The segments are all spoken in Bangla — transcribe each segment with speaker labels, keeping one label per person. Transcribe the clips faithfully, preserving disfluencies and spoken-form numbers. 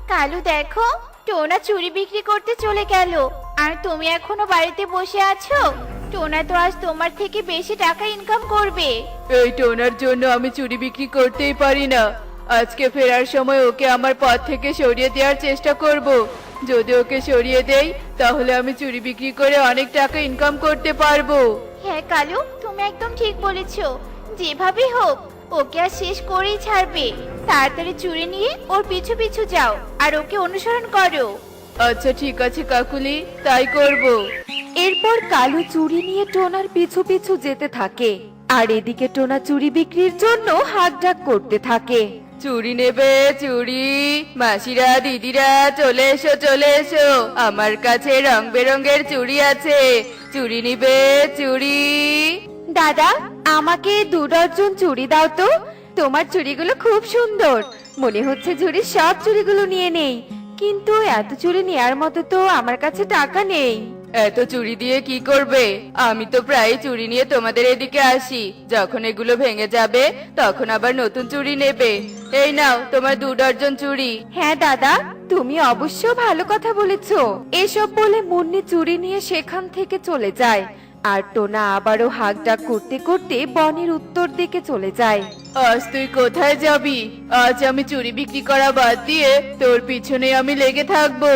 Speaker 1: কালু দেখো, টোনা চুড়ি বিক্রি করতে চলে গেল, আর তুমি এখনো বাড়িতে বসে আছো। টোনা তো আজ তোমার থেকে বেশি টাকা ইনকাম করবে।
Speaker 2: এই টোনার জন্য আমি চুরি বিক্রি করতেই পারি না। আজকে ফেরার সময় ওকে আমার পথ থেকে সরিয়ে দেওয়ার চেষ্টা করব। যদি ওকে সরিয়ে দেই তাহলে আমি চুরি বিক্রি করে অনেক টাকা ইনকাম করতে পারবো।
Speaker 1: হ্যাঁ কালু, তুমি একদম ঠিক বলেছো। যেভাবেই হোক ওকে আর শেষ করেই ছাড়বে। তাড়াতাড়ি চুরি নিয়ে ওর পিছু পিছু যাও আর ওকে অনুসরণ করো।
Speaker 2: আচ্ছা ঠিক আছে কাকুলি, তাই করব।
Speaker 3: এরপর কালু চুড়ি নিয়ে টোনার পিছু পিছু যেতে থাকে, আর এদিকে টোনা চুড়ি বিক্রির জন্য হাক ডাক করতে থাকে।
Speaker 2: চুড়ি নেবে চুড়ি? মাসিরা দিদিরা চলে এসো চলে এসো, আমার কাছে রং বেরঙের চুড়ি আছে, চুড়ি নিবে চুড়ি?
Speaker 3: দাদা, আমাকে দু ডজন চুড়ি দাও তো। তোমার চুড়িগুলো খুব সুন্দর, মনে হচ্ছে ঝুড়ির সব চুড়িগুলো নিয়ে নেই, কিন্তু এত চুড়ি নেয়ার মতো তো আমার কাছে টাকা নেই।
Speaker 2: এত চুড়ি দিয়ে কি করবে? আমি তো প্রায় চুড়ি নিয়ে তোমাদের এদিকে আসি, যখন এগুলো ভেঙে যাবে তখন আবার নতুন চুড়ি নেবে। এই নাও তোমার দু ডজন চুড়ি।
Speaker 3: হ্যাঁ দাদা, তুমি অবশ্য ভালো কথা বলেছো। এসব বলে মুন্নি চুড়ি নিয়ে সেখান থেকে চলে যায়, আর টোনা আবারও হাক ডাক করতে করতে বনের উত্তর দিকে চলে যায়।
Speaker 2: আজ তুই কোথায় যাবি? আজ আমি চুড়ি বিক্রি করা বাদ দিয়ে তোর পিছনে আমি লেগে থাকবো।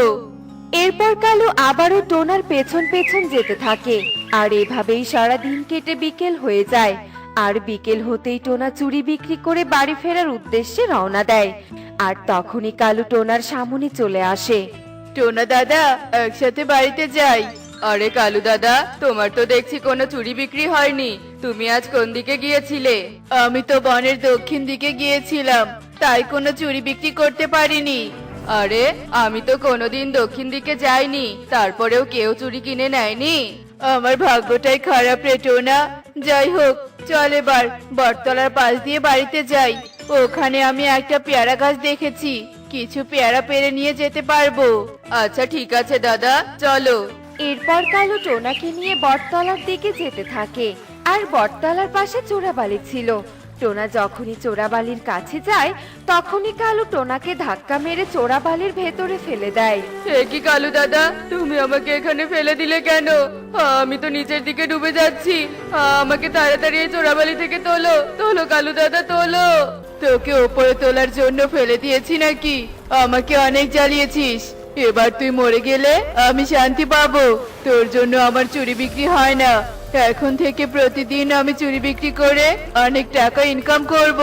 Speaker 3: এরপর কালু আবারও টোনার পেছন পেছন যেতে থাকে, আর এভাবেই সারা দিন কেটে বিকেল হয়ে যায়। আর বিকেল হতেই টোনা চুড়ি বিক্রি করে বাড়ি ফেরার উদ্দেশ্যে রওনা দেয়, আর তখনই কালু টোনার সামনে চলে আসে।
Speaker 2: টোনা দাদা, একসাথে বাড়িতে যাই। আরে কালু দাদা, তোমার তো দেখছি কোনো চুড়ি বিক্রি হয়নি, তুমি আজ কোন দিকে গিয়েছিলে? আমি তো বনের দক্ষিণ দিকে গিয়েছিলাম, তাই কোনো চুড়ি বিক্রি করতে পারিনি। আরে আমি তো কোনোদিন দক্ষিণ দিকে যাইনি, তারপরেও কেউ চুড়ি কিনে নেয়নি। আমার ভাগ্যটাই খারাপ রে টোনা। যাই হোক, চল এবার বটতলার পাশ দিয়ে বাড়িতে যাই। ওখানে আমি একটা পেয়ারা গাছ দেখেছি, কিছু পেয়ারা পেরে নিয়ে যেতে পারবো। আচ্ছা ঠিক আছে দাদা, চলো।
Speaker 3: এরপর কালু টোনাকে নিয়ে বটতলার দিকে যেতে থাকে, আর বটতলার পাশে চোরাবালি ছিল। টোনা যখনই চোরাবালির কাছে যায়, তখনই কালু টোনাকে ধাক্কা মেরে চোরাবালির ভেতরে ফেলে দেয়।
Speaker 2: এ কি কালু দাদা, তুমি আমাকে এখানে ফেলে দিলে কেন? আমি তো নিচের দিকে ডুবে যাচ্ছি, আমাকে তাড়াতাড়ি এই চোরাবালি থেকে তোলো, তোলো কালু দাদা তোলো। তোকে ওপরে তোলার জন্য ফেলে দিয়েছি নাকি? আমাকে অনেক জ্বালিয়েছিস, এবার তুই মরে গেলে আমি শান্তি পাবো। তোর জন্য আমার চুরি বিক্রি হয় না, এখন থেকে প্রতিদিন আমি চুরি বিক্রি করে অনেক টাকা ইনকাম করব।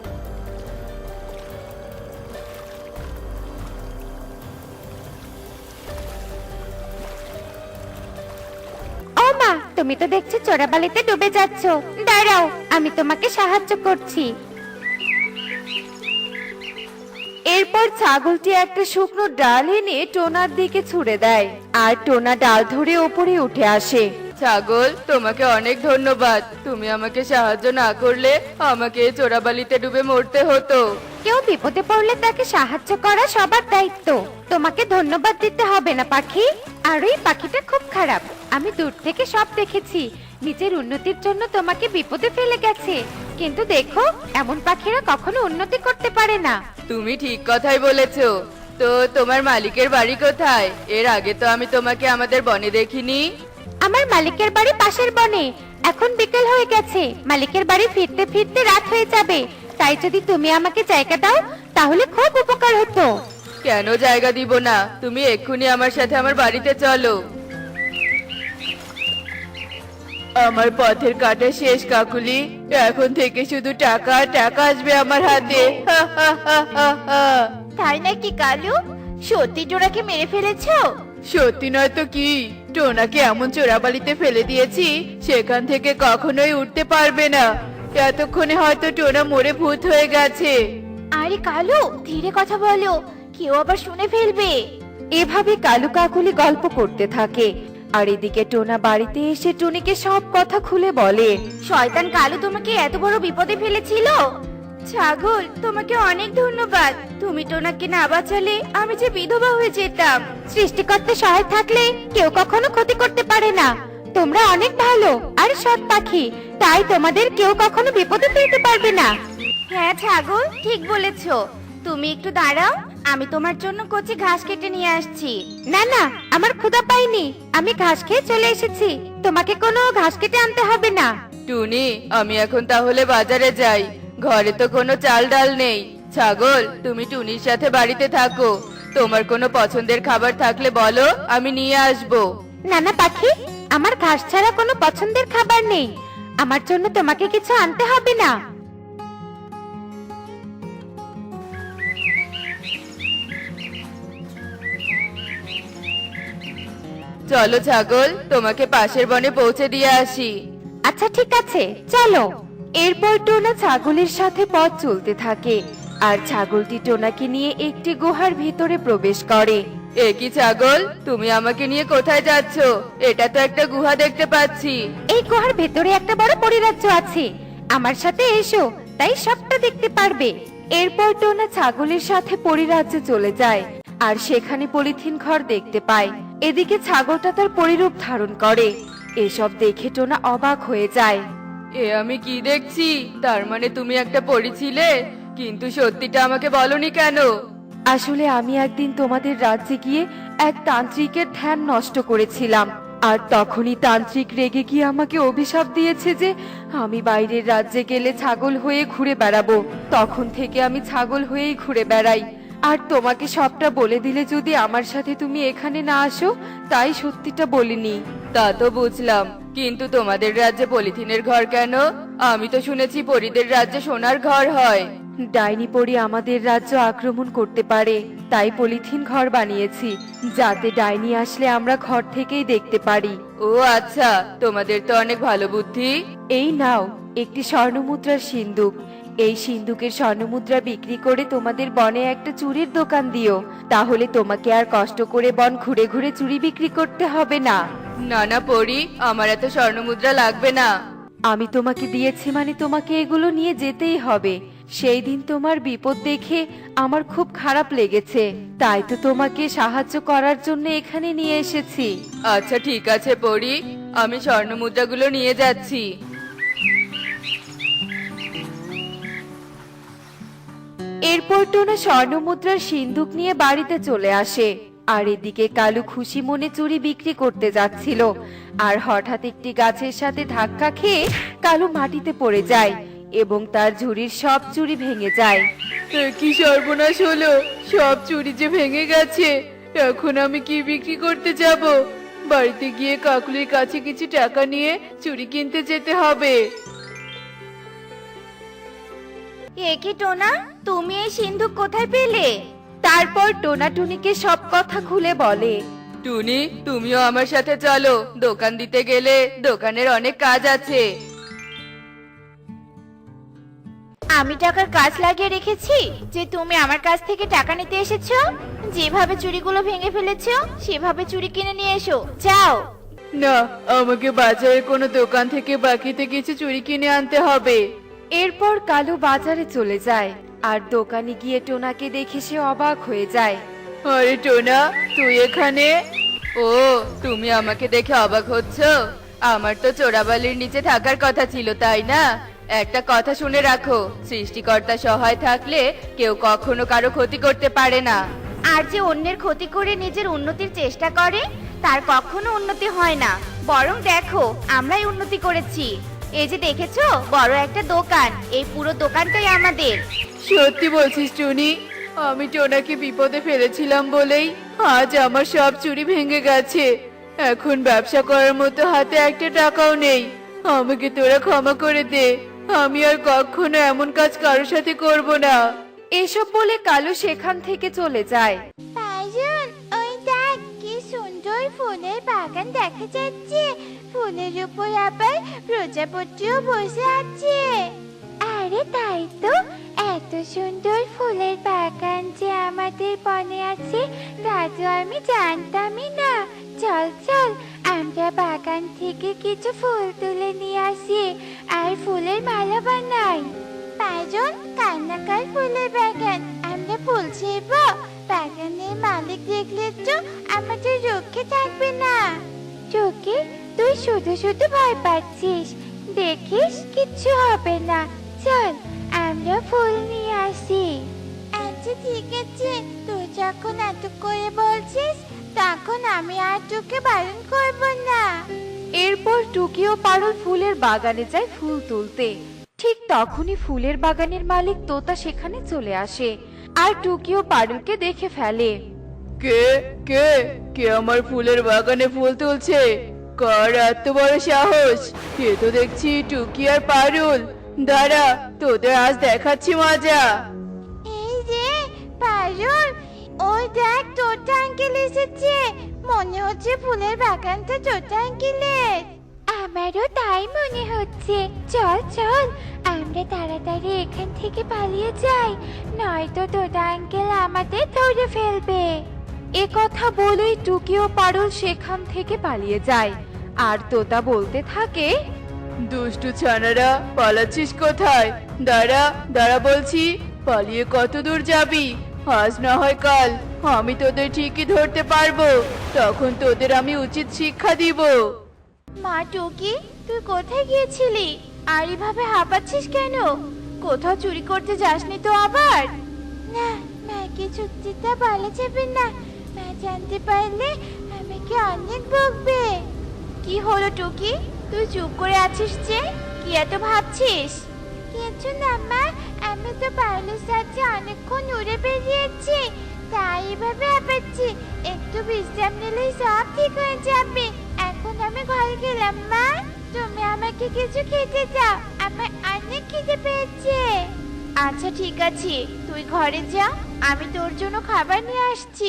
Speaker 1: ও মা, তুমি তো দেখছি চোরাবালিতে ডুবে যাচ্ছ। দাঁড়াও, আমি তোমাকে সাহায্য করছি।
Speaker 3: এরপর ছাগলটি একটা শুকনো ডাল এনে টোনার দিকে ছুঁড়ে দেয়, আর টোনা ডাল ধরে ওপরে উঠে আসে।
Speaker 2: ছাগল, তোমাকে অনেক ধন্যবাদ, তুমি আমাকে সাহায্য না করলে আমাকে এই চোরাবালিতে ডুবে মরতে হতো।
Speaker 1: কেউ বিপদে পড়লে তাকে সাহায্য করা সবার দায়িত্ব। তোমাকে ধন্যবাদ দিতে হবে না পাখি। আর ওই পাখিটা খুব খারাপ, আমি দূর থেকে সব দেখেছি। নিজের উন্নতির জন্য তোমাকে বিপদে ফেলে গেছে, কিন্তু দেখো, এমন পাখিরা কখনো উন্নতি করতে পারে না।
Speaker 2: তুমি ঠিক কথাই বলেছো। তো তোমার মালিকের বাড়ি কোথায়? এর আগে তো আমি তোমাকে আমাদের বনে দেখিনি।
Speaker 1: আমার মালিকের বাড়ি পাশের বনে। এখন বিকেল হয়ে গেছে, মালিকের বাড়ি ফিরতে ফিরতে রাত হয়ে যাবে। তাই যদি তুমি আমাকে জায়গা দাও তাহলে খুব উপকার হতো।
Speaker 2: কেন জায়গা দিব না? তুমি এক্ষুনি আমার সাথে আমার বাড়িতে চলো। আমার পথের কাটা শেষ কাকুলি, এখন থেকে শুধু টাকা টাকা আসবে আমার হাতে। হা হা হা হা হা।
Speaker 1: তাই নাকি কালু? সত্যি টোনাকে মেরে ফেলেছো?
Speaker 2: সত্যি নয় তো কি, টোনাকে এমন চোরাবালিতে ফেলে দিয়েছি সেখান থেকে কখনোই উঠতে পারবে না। এতক্ষণে হয়তো টোনা মরে ভূত হয়ে গেছে।
Speaker 1: আরে কালু, ধীরে কথা বলো, কেউ আবার শুনে ফেলবে।
Speaker 3: এভাবে কালু কাকুলি গল্প করতে থাকে, আর এদিকে টোনা বাড়িতে এসে টুনিকে সব কথা খুলে বলে।
Speaker 1: শয়তান কালু তোমাকে এত বড় বিপদে ফেলেছিল। ছাগল, তোমাকে অনেক ধন্যবাদ। তুমি টোনাকে না বাঁচালে আমি যে বিধবা হয়ে যেতাম। সৃষ্টিকর্তা সহায় থাকলে কেউ কখনো ক্ষতি করতে পারে না। তোমরা অনেক ভালো আর সৎ পাখি, তাই তোমাদের কেউ কখনো বিপদে ফেলতে পারবে না। হ্যাঁ ছাগল, ঠিক বলেছো। তুমি একটু দাঁড়াও, আমি তোমার জন্য কচি ঘাস কেটে নিয়ে আসছি।
Speaker 3: না না, আমার ক্ষুধা পাইনি, আমি ঘাস খেয়ে চলে এসেছি, তোমাকে কোনো ঘাস কেটে আনতে হবে না।
Speaker 2: টুনি, আমি এখন তাহলে বাজারে যাই, ঘরে তো কোনো চাল ডাল নেই। ছাগল, তুমি টুনির সাথে বাড়িতে থাকো, তোমার কোনো পছন্দের খাবার থাকলে বলো, আমি নিয়ে আসবো।
Speaker 3: নানা পাখি, আমার ঘাস ছাড়া কোনো পছন্দের খাবার নেই, আমার জন্য তোমাকে কিছু আনতে হবে না।
Speaker 2: চলো ছাগল, তোমাকে পাশের বনে পৌঁছে দিয়ে আসি।
Speaker 3: আচ্ছা ঠিক আছে, চলো। এরপর টোনা ছাগলের সাথে পথ চলতে থাকে, আর ছাগলটি টোনাকে নিয়ে একটি গুহার ভিতরে প্রবেশ করে।
Speaker 2: এ কি ছাগল, তুমি আমাকে নিয়ে কোথায় যাচ্ছ? এটা তো একটা গুহা দেখতে পাচ্ছি।
Speaker 3: এই গুহার ভেতরে একটা বড় পরিরাজ্য আছে, আমার সাথে এসো, তাই সবটা দেখতে পারবে। এরপর টোনা ছাগলের সাথে পরিরাজ্যে চলে যায়, আর সেখানে পলিথিন ঘর দেখতে পায়। এদিকে ছাগলটা তার পরিরূপ ধারণ করে। এসব দেখে টোনা অবাক হয়ে যায়।
Speaker 2: এ আমি কি দেখছি? তার মানে তুমি একটা পরী ছিলে, কিন্তু সত্যিটা আমাকে বলনি কেন?
Speaker 3: আসলে আমি একদিন তোমাদের রাজ্যে গিয়ে এক তান্ত্রিকের ধ্যান নষ্ট করেছিলাম, আর তখনই তান্ত্রিক রেগে গিয়ে আমাকে অভিশাপ দিয়েছে যে আমি বাইরের রাজ্যে গেলে ছাগল হয়ে ঘুরে বেড়াবো। তখন থেকে আমি ছাগল হয়েই ঘুরে বেড়াই, আর তোমাকে সবটা বলে দিলে যদি আমার সাথে তুমি এখানে না আসো, তাই সত্যিটা বলিনি।
Speaker 2: তা তো বুঝলাম, কিন্তু তোমাদের রাজ্যে পলিথিনের ঘর কেন? আমি তো শুনেছি পরীদের রাজ্যে সোনার ঘর হয়।
Speaker 3: ডাইনি পরি আমাদের রাজ্য আক্রমণ করতে পারে, তাই পলিথিন ঘর বানিয়েছি, যাতে ডাইনি আসলে আমরা ঘর থেকেই দেখতে পারি।
Speaker 2: ও আচ্ছা, তোমাদের তো অনেক ভালো বুদ্ধি।
Speaker 3: এই নাও একটি স্বর্ণমুদ্রার সিন্দুক, এই সিন্দুকের স্বর্ণমুদ্রা বিক্রি করে তোমাদের বনে একটা চুরির দোকান দিও, তাহলে তোমাকে আর কষ্ট করে বন ঘুরে ঘুরে চুরি বিক্রি করতে হবে না।
Speaker 2: না না পরী, আমার এত স্বর্ণমুদ্রা লাগবে না।
Speaker 3: আমি তোমাকে দিয়েছি মানে তোমাকে এগুলো নিয়ে যেতেই হবে। সেই দিন তোমার বিপদ দেখে আমার খুব খারাপ লেগেছে, তাই তো তোমাকে সাহায্য করার জন্য এখানে নিয়ে এসেছি।
Speaker 2: আচ্ছা ঠিক আছে পরী, আমি স্বর্ণমুদ্রাগুলো নিয়ে যাচ্ছি।
Speaker 3: এরপর টোনা স্বর্ণমুদ্রার সিন্দুক নিয়ে বাড়িতে চলে আসে, আর এদিকে কালু খুশি মনে চুরি বিক্রি করতে যাচ্ছিল, আর হঠাৎ একটি গাছের সাথে ধাক্কা খেয়ে কালু মাটিতে পড়ে যায় এবং তার ঝুড়ির সব চুরি ভেঙে যায়।
Speaker 2: এ কি সর্বনাশ হলো, সব চুরি যে ভেঙে গেছে। এখন আমি কি বিক্রি করতে যাব? বাড়িতে গিয়ে কাকুলির কাছে কিছু টাকা নিয়ে চুরি কিনতে যেতে হবে।
Speaker 1: এ কি টোনা, তুমি এই সিন্ধুক কোথায় পেলে?
Speaker 3: তারপর টোনা টুনিকে সব কথা খুলে বলে।
Speaker 2: টুনি, তুমিও আমার সাথে চলো, দোকান দিতে গেলে দোকানের অনেক কাজ আছে।
Speaker 1: আমি টাকার কাজ লাগিয়ে রেখেছি যে তুমি আমার কাছ থেকে টাকা নিতে এসেছো? যেভাবে চুরিগুলো ভেঙে ফেলেছো সেভাবে চুরি কিনে নিয়ে এসো, যাও।
Speaker 2: না, আমাকে বাজারের কোনো দোকান থেকে বাকিতে কিছু চুরি কিনে আনতে হবে।
Speaker 3: এরপর কালু বাজারে চলে যায়, আর দোকানে গিয়ে টোনাকে দেখে সে অবাক হয়ে যায়।
Speaker 2: আরে টোনা, তুই এখানে? ও, তুমি আমাকে দেখে অবাক হচ্ছ? আমার তো চোরাবালির নিচে থাকার কথা ছিল, তাই না? একটা কথা শুনে রাখো, সৃষ্টিকর্তা সহায় থাকলে কেউ কখনো কারো ক্ষতি করতে পারে না।
Speaker 1: আর যে অন্যের ক্ষতি করে নিজের উন্নতির চেষ্টা করে তার কখনো উন্নতি হয় না, বরং দেখো আমরাই উন্নতি করেছি। এই যে দেখেছো বড় একটা দোকান, এই পুরো দোকানটাই আমাদের।
Speaker 2: সত্যি বলছিস টুনি? আমি টোনাকে বিপদে ফেলেছিলাম বলেই আজ আমার সব চুরি ভেঙে গেছে। এখন ব্যবসা করার মতো হাতে একটা টাকাও নেই। আমাকে তোরা ক্ষমা করে দে, আমি আর কখনো এমন কাজ কারোর সাথে করব না।
Speaker 3: এসব বলে কালু সেখান থেকে চলে যায়।
Speaker 1: পাইজন, ওই দেখ কি সুন্দর ফুলের বাগান দেখা যাচ্ছে, ফুলের উপর আবার প্রজাপতিও বসে আছে। আরে তাই তো, এত সুন্দর ফুলের বাগান যে আমাদের বনে আছে তা তো আমি জানতামই না। চল চল, আমরা বাগান থেকে কিছু ফুল তুলে নিয়ে আসি আর ফুলের মালা বানাই। পাইজন, কান্নাকার ফুলের বাগান, আমরা ফুল ছিড়ব। বাগানের মালিক দেখলে তো আমাদের রক্ষে থাকবে না। চোখে তুই শুধু শুধু ভয় পাচ্ছিস, দেখিস কিচ্ছু হবে না। চল আমরা ফুল নিয়ে আসি। আচ্ছা আচ্ছা ঠিক আছে, তুই যখন এত করে বলছিস তখন আমি আর তোকে বারণ করব না।
Speaker 3: এরপর টুকি ও পারুল ফুলের বাগানে যায় ফুল তুলতে। ঠিক তখনই ফুলের বাগানের মালিক তোতা সেখানে চলে আসে আর টুকি ও পারুলকে দেখে ফেলে।
Speaker 2: কে কে কে আমার ফুলের বাগানে ফুল তুলছে? কার এত বড় সাহস? কে তো দেখছি টুকি আর পারুল। দাঁড়া, তোদের আজ দেখাচ্ছি মজা।
Speaker 1: এই রে পারুল, ওই দেখ তোতা আঙ্কেল এসেছে। মনে হচ্ছে ফুলের বাগানটা তোতা আঙ্কেলের। আমারও তাই মনে হচ্ছে। চল চল আমরা তাড়াতাড়ি এখান থেকে পালিয়ে যাই, নয়তো তোতা আঙ্কেল আমাদের ধরে ফেলবে।
Speaker 3: এ কথা বলেই টুকি ও পারুল সেখান থেকে পালিয়ে যায় আর তোতা বলতে থাকে,
Speaker 2: দুষ্টু ছানারা, পালাচ্ছিস কোথায়? দাঁড়া দাঁড়া বলছি, পালিয়ে কত দূর যাবি? আজ না হয় কাল আমি তোদের ঠিকই ধরতে পারবো, তখন তোদের আমি উচিত শিক্ষা দিব।
Speaker 1: মা টুকি, তুই কোথায় গিয়েছিলি আর এভাবে হাঁপাচ্ছিস কেন? কোথাও চুরি করতে যাসনি তো আবার? না, মাকে চুক্তিটা বলা যাবে না। মা জানতে পারলে আমাকে অনেক বকবে। কি হলো টুকি, তুই চুপ করে আছিস যে? কি এত ভাবছিস? কিছু না মা, আমি তো পারুলের সাথে অনেকক্ষণ উড়ে বেরিয়েছি, তাই এভাবে হাঁপাচ্ছি। একটু বিশ্রাম নিলেই সব ঠিক হয়ে যাবে। এখন আমি ঘরে গেলাম। মা, তুমি আমাকে কিছু খেতে দাও, আমার অনেক খিদে পেয়েছে। আচ্ছা ঠিক আছে, তুই ঘরে যা, আমি তোর জন্য খাবার নিয়ে আসছি।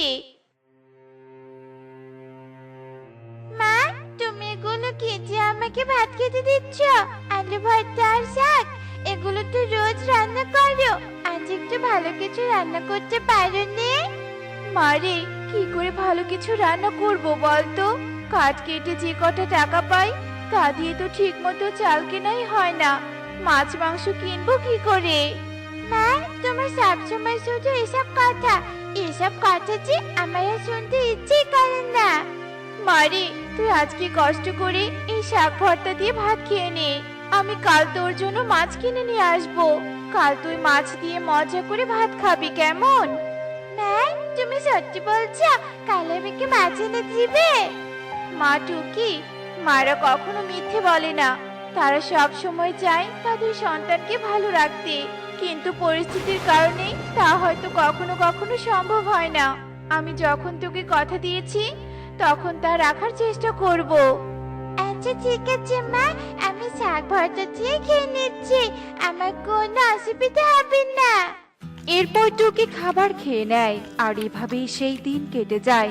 Speaker 1: মা, তুমি এগুলো খেতে আমাকে ভাত খেতে দিচ্ছ? আলু ভর্তা আর শাক, এগুলো তো রোজ রান্না করো, আজ একটু ভালো কিছু রান্না করতে পারোনি? মারে, কি করে ভালো কিছু রান্না করব বলতো? কাঠ কেটে যে কটা টাকা পাই তা দিয়ে তো ঠিক মতো চাল কেনাই হয় না, মাছ মাংস কিনবো কি করে? মা, তোমার সবসময় শুধু এসব কথা, এসব কথা যে আমার আর শুনতে ইচ্ছে করে না। মারে, তুই আজকে কষ্ট করে এই শাক ভর্তা দিয়ে ভাত খেয়ে নে, আমি কাল তোর জন্য মাছ কিনে নিয়ে আসবো। কাল তুই মাছ দিয়ে মজা করে ভাত খাবি, কেমন? মা, তুমি সত্যি বলছো? কাল আমাকে মাছ এনে দিবে? মা টুকি, মারা কখনো মিথ্যে বলে না। তারা সব সময় চায় তাদের সন্তানকে ভালো রাখতে, কিন্তু পরিস্থিতির কারণে তা হয়তো কখনো কখনো সম্ভব হয় না। আমি যখন তোকে কথা দিয়েছি তখন তা রাখার চেষ্টা করব। আচ্ছা ঠিক আছে মা, আমি শাক ভর্তা দিয়ে খেয়ে নিচ্ছি, আমার কোনো অসুবিধা হবে না।
Speaker 3: এরপর টুকি খাবার খেয়ে নেয় আর এভাবেই সেই দিন কেটে যায়।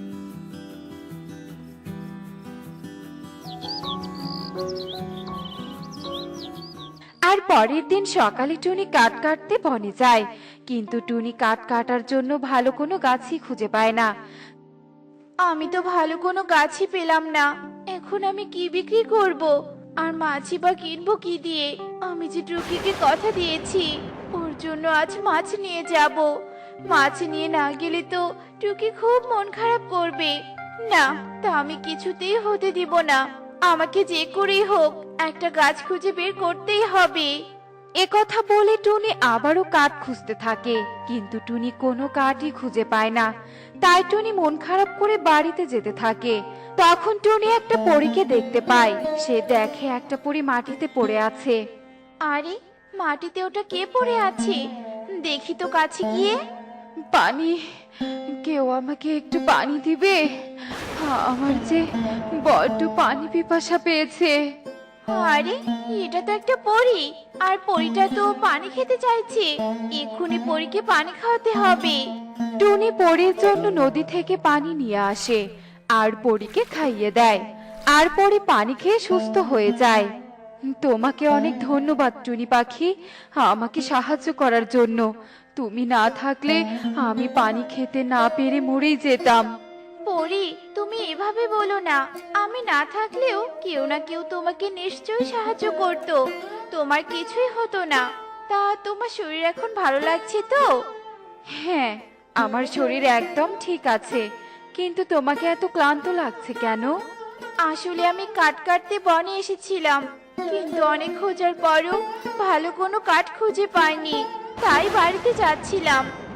Speaker 3: আর পরের দিন সকালে টুনি কাঠ কাটতে বনে যায়, কিন্তু টুনি কাঠ কাটার জন্য ভালো কোনো গাছই খুঁজে পায় না।
Speaker 1: আমি তো ভালো কোনো গাছই পেলাম না, এখন আমি কি বিক্রি করব? আর মাছই বা কিনবো কি দিয়ে? আমি যে টুকিকে কথা দিয়েছি ওর জন্য আজ মাছ নিয়ে যাব। মাছ নিয়ে না গেলে তো টুকি খুব মন খারাপ করবে। না, তা আমি কিছুতেই হতে দিব না। আমাকে যে করেই হোক একটা গাছ খুঁজে বের করতেই হবে।
Speaker 3: এ কথা বলে টুনি আবারও কাঠ খুঁজতে থাকে, কিন্তু টুনি কোনো কাঠই খুঁজে পায় না। তাই টুনি মন খারাপ করে বাড়িতে যেতে থাকে। তখন টুনি একটা পরীকে দেখতে পায়। সে দেখে একটা পরী মাটিতে পড়ে আছে।
Speaker 1: আরে, মাটিতে ওটা কে পড়ে আছে? দেখি তো কাছে গিয়ে।
Speaker 3: পানি, কেউ আমাকে একটু পানি দিবে? আমার যে বড্ড পানি পিপাসা পেয়েছে।
Speaker 1: আরে, এটা তো একটা পরী, আর পরীটা তো পানি খেতে চাইছে। এক্ষুনি পরীকে পানি খাওয়াতে হবে।
Speaker 3: টুনি পরীর জন্য নদী থেকে পানি নিয়ে আসে আর পরীকে খাইয়ে দেয়, আর পরী পানি খেয়ে সুস্থ হয়ে যায়। তোমাকে অনেক ধন্যবাদ টুনি পাখি, আমাকে সাহায্য করার জন্য। তুমি না থাকলে আমি পানি খেতে না পেরে মরেই যেতাম।
Speaker 1: পরী, তুমি এভাবে বলো না। আমি না থাকলেও কেউ না কেউ তোমাকে নিশ্চয়ই সাহায্য করত, তোমার কিছুই হতো না। তা তোমার শরীর এখন ভালো লাগছে তো?
Speaker 3: হ্যাঁ, আমার শরীর একদম ঠিক আছে, কিন্তু তোমাকে এত ক্লান্ত লাগছে কেন?
Speaker 1: আসলে আমি কাঠ কাটতে বনে এসেছিলাম, কিন্তু অনেক খোঁজার পরও ভালো কোনো কাঠ খুঁজে পাইনি, তাই বাড়িতে যাচ্ছিলাম।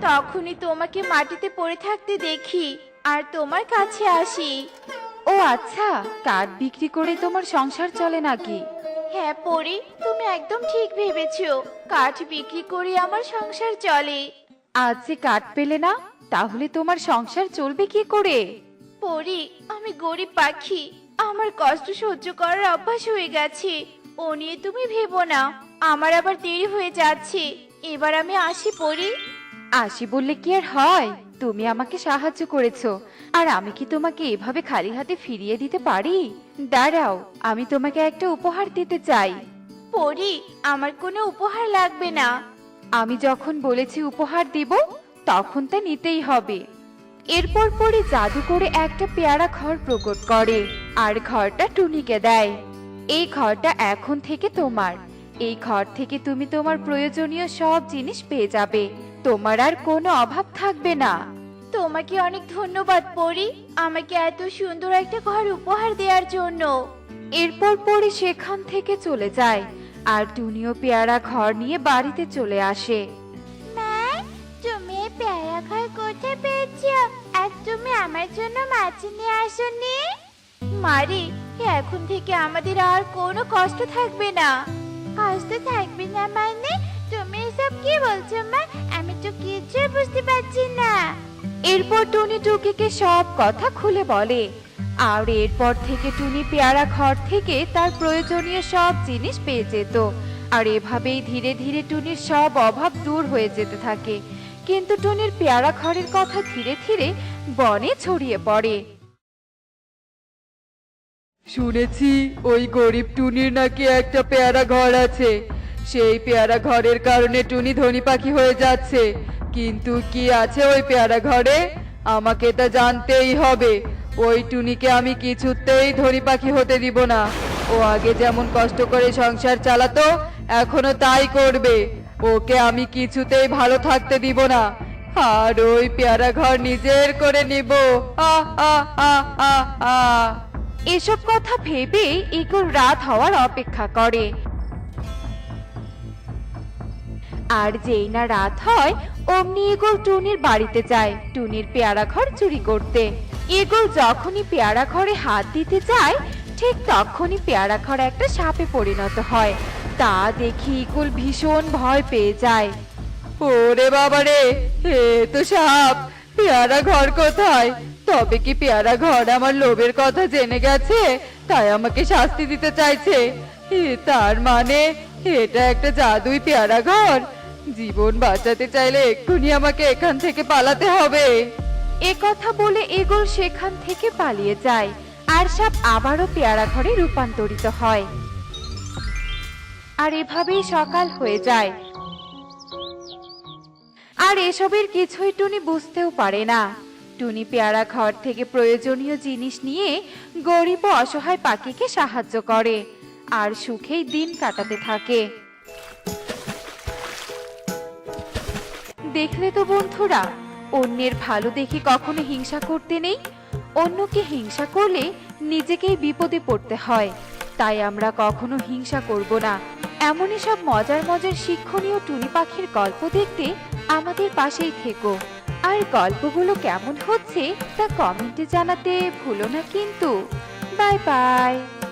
Speaker 1: তখনই তোমাকে মাটিতে পড়ে থাকতে দেখি আর তোমার কাছে আসি।
Speaker 3: ও আচ্ছা, কাঠ বিক্রি করে তোমার সংসার চলে নাকি?
Speaker 1: হ্যাঁ পরি, তুমি একদম ঠিক ভেবেছো, কাঠ বিক্রি করে আমার সংসার চলে।
Speaker 3: আজ যে কাঠ পেলে না, তাহলে তোমার সংসার চলবে কি করে?
Speaker 1: পরি, আমি গরিব পাখি, আমার কষ্ট সহ্য করার অভ্যাস হয়ে গেছে। ও নিয়ে তুমি ভেবো না, আমার আবার দেরি হয়ে যাচ্ছে। এবার আমি আসি পরি।
Speaker 3: আসি বললে কি আর হয়? তুমি আমাকে সাহায্য করেছো, আর আমি কি তোমাকে এভাবে খালি হাতে ফিরিয়ে দিতে পারি? দাঁড়াও, আমি তোমাকে একটা উপহার দিতে চাই।
Speaker 1: পরি, আমার কোনো উপহার লাগবে না।
Speaker 3: আমি যখন বলেছি উপহার দিব, তখন তা নিতেই হবে। এরপর পরে জাদু করে একটা পেয়ারা ঘর প্রকট করে আর ঘরটা টুনিকে দেয়। এই ঘরটা এখন থেকে তোমার। এই ঘর থেকে তুমি তোমার প্রয়োজনীয় সব জিনিস পেয়ে যাবে। তোমার আর কোনো অভাব থাকবে না।
Speaker 1: তোমাকে অনেক ধন্যবাদ পরি, আমাকে এত সুন্দর একটা ঘর উপহার দেওয়ার জন্য।
Speaker 3: এরপর পরে সেখান থেকে চলে যায় আর টুনিও পেয়ারা ঘর নিয়ে বাড়িতে চলে আসে।
Speaker 1: মা, তুমি এই পেয়ারা ঘর কোথায় পেয়েছো? আর তুমি আমার জন্য মাছ নিয়ে আসোনি? মারি, এখন থেকে আমাদের আর কোনো কষ্ট থাকবে না। কষ্ট থাকবে না মানে? তুমি এসব কি বলছো মা? আমি তো কিছুই বুঝতে পারছি না।
Speaker 3: এরপর টুনি টুকিকে সব কথা খুলে বলে, আর এরপর থেকে টুনি পেয়ারা ঘর থেকে তার প্রয়োজনীয় সব জিনিস পেয়ে যেত। আর এভাবেই ধীরে ধীরে টুনির সব অভাব দূর হয়ে যেতে থাকে। কিন্তু টুনির পেয়ারা ঘরের কথা ধীরে ধীরে বনে ছড়িয়ে পড়ে।
Speaker 2: শুনেছি ওই গরিব টুনির নাকি একটা পেয়ারা ঘর আছে। সেই পেয়ারা ঘরের কারণে টুনি ধনী পাখি হয়ে যাচ্ছে। কিন্তু কি আছে ওই পেয়ারা ঘরে? আমাকে তা জানতেই হবে। ওই টুনিকে আমি কিছুতেই ধনী পাখি হতে দিব না। ও আগে যেমন কষ্ট করে সংসার চালাতো, এখনো তাই করবে। ওকে আমি কিছুতেই ভালো থাকতে দিব না, আর ওই পেয়ারা ঘর নিজের করে নিব। আ আ আ আ আ
Speaker 3: এসব কথা ভেবে ইগল রাত হওয়ার অপেক্ষা করে। আর যেই না রাত হয়, অমনি ইগল টুনির বাড়িতে যায় টুনির পেয়ারা ঘর চুরি করতে। ইগল যখনই পেয়ারা ঘরে হাত দিতে যায়, ঠিক তখনই পেয়ারা ঘর একটা সাপে পরিণত হয়। তা দেখি ইগল ভীষণ ভয় পেয়ে যায়।
Speaker 2: ওরে বাবারে, এ তো সাপ! পেয়ারা ঘর কোথায়? তবে কি পেয়ারা ঘর আমার লোভের কথা জেনে গেছে, তাই আমাকে শাস্তি দিতে চাইছে? এ তার মানে এটা একটা জাদুই পেয়ারা ঘর। জীবন বাঁচাতে চাইলে এক্ষুনি আমাকে এখান থেকে পালাতে হবে।
Speaker 3: এ কথা বলে ইগল সেখান থেকে পালিয়ে যায়, আর সাপ আবারও পেয়ারা ঘরে রূপান্তরিত হয়। আর এভাবেই সকাল হয়ে যায়। আর এসবের কিছুই টুনি বুঝতেও পারে না। টুনি পেয়ারা ঘর থেকে প্রয়োজনীয় জিনিস নিয়ে গরিব ও অসহায় পাখিকে সাহায্য করে আর সুখেই দিন কাটাতে থাকে। দেখলে তো বন্ধুরা, অন্যের ভালো দেখে কখনো হিংসা করতে নেই। অন্যকে হিংসা করলে নিজেকেই বিপদে পড়তে হয়। তাই আমরা কখনো হিংসা করব না। এমনই সব মজার মজার শিক্ষণীয় টুনি পাখির গল্প দেখতে আমাদের পাশেই থেকো। আর গল্পগুলো কেমন হচ্ছে তা কমেন্টে জানাতে ভুলো না কিন্তু। Bye by.